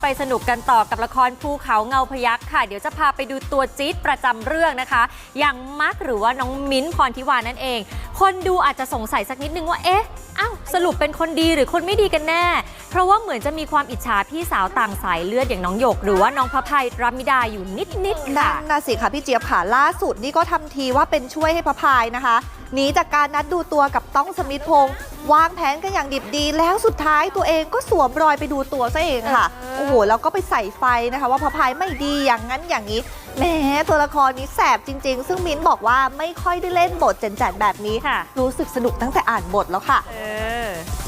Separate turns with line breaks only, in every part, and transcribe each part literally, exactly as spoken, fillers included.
ไปสนุกกันต่อกับละครภูเขาเงาพยัคฆ์ค่ะเดี๋ยวจะพาไปดูตัวจี๊ดประจำเรื่องนะคะอย่างมักหรือว่าน้องมิ้นท์พรทิวานั่นเองคนดูอาจจะสงสัยสักนิดนึงว่าเอ๊ะอ้าวสรุปเป็นคนดีหรือคนไม่ดีกันแน่เพราะว่าเหมือนจะมีความอิจฉาพี่สาวต่างสายเลือดอย่างน้องหยกหรือว่าน้องพระภัยรัมมิดาอยู่นิดๆค่ะ
นั่นน่ะสิค่ะพี่เจี๊ยบค่ะล่าสุดนี่ก็ทำทีว่าเป็นช่วยให้พระพายนะคะหนีจากการนัดดูตัวกับต้องสมิธพงษ์วางแผนกันอย่างดิบดีแล้วสุดท้ายตัวเองก็สวมรอยไปดูตัวซะเองค่ะโอ้โหแล้วก็ไปใส่ไฟนะคะว่าพระพายไม่ดีอย่างนั้นอย่างนี้แหมตัวละครนี้แสบจริงๆซึ่งมิ้นบอกว่าไม่ค่อยได้เล่นบทเจนๆแบบนี้ค่ะรู้สึกสนุกตั้งแต่อ่านบทแล้วค่ะ
เออ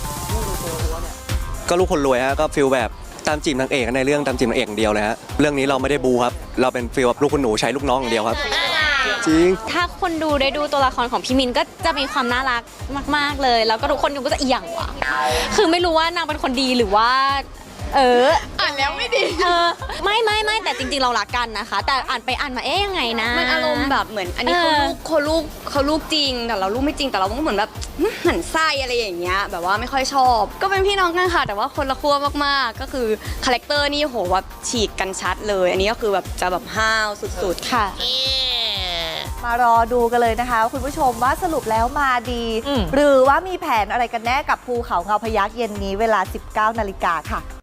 ก็ลูกคนรวยฮะก็ฟิลแบบตามจีบนางเอกในเรื่องตามจีบนางเอกอย่างเดียวเลยฮะเรื่องนี้เราไม่ได้บูครับเราเป็นฟิลแบบลูกคุณหนูใช้ลูกน้องอย่างเดียวครับจริง
ถ้าคนดูได้ดูตัวละครของพี่มินก็จะมีความน่ารักมากๆเลยแล้วก็ทุกคนดูก็จะเอียงว่ะคือไม่รู้ว่านางเป็นคนดีหรือว่าเออ
อ่านแล้วไม่ดี
เออไม่ไม่ไม่แต่จริงๆเรารักกันนะคะแต่อ่านไปอ่านมาเอ๊ยยังไงนะ
มันอารมณ์แบบเหมือนอันนี้เขาลูกเขาลูกเขาลูกจริงแต่เราลูกไม่จริงแต่เราก็เหมือนแบบเหมือนไส้อะไรอย่างเงี้ยแบบว่าไม่ค่อยชอบก็เป็นพี่น้องกันค่ะแต่ว่าคนละขั้วมากๆก็คือคาแรคเตอร์นี่โหว่าฉีกกันชัดเลยอันนี้ก็คือแบบจะแบบห้าวสุดๆค่ะ
มารอดูกันเลยนะคะคุณผู้ชมว่าสรุปแล้วมาดี หรือว่ามีแผนอะไรกันแน่กับภูเขาเงาพยัคฆ์เย็นนี้เวลา สิบเก้านาฬิกาค่ะ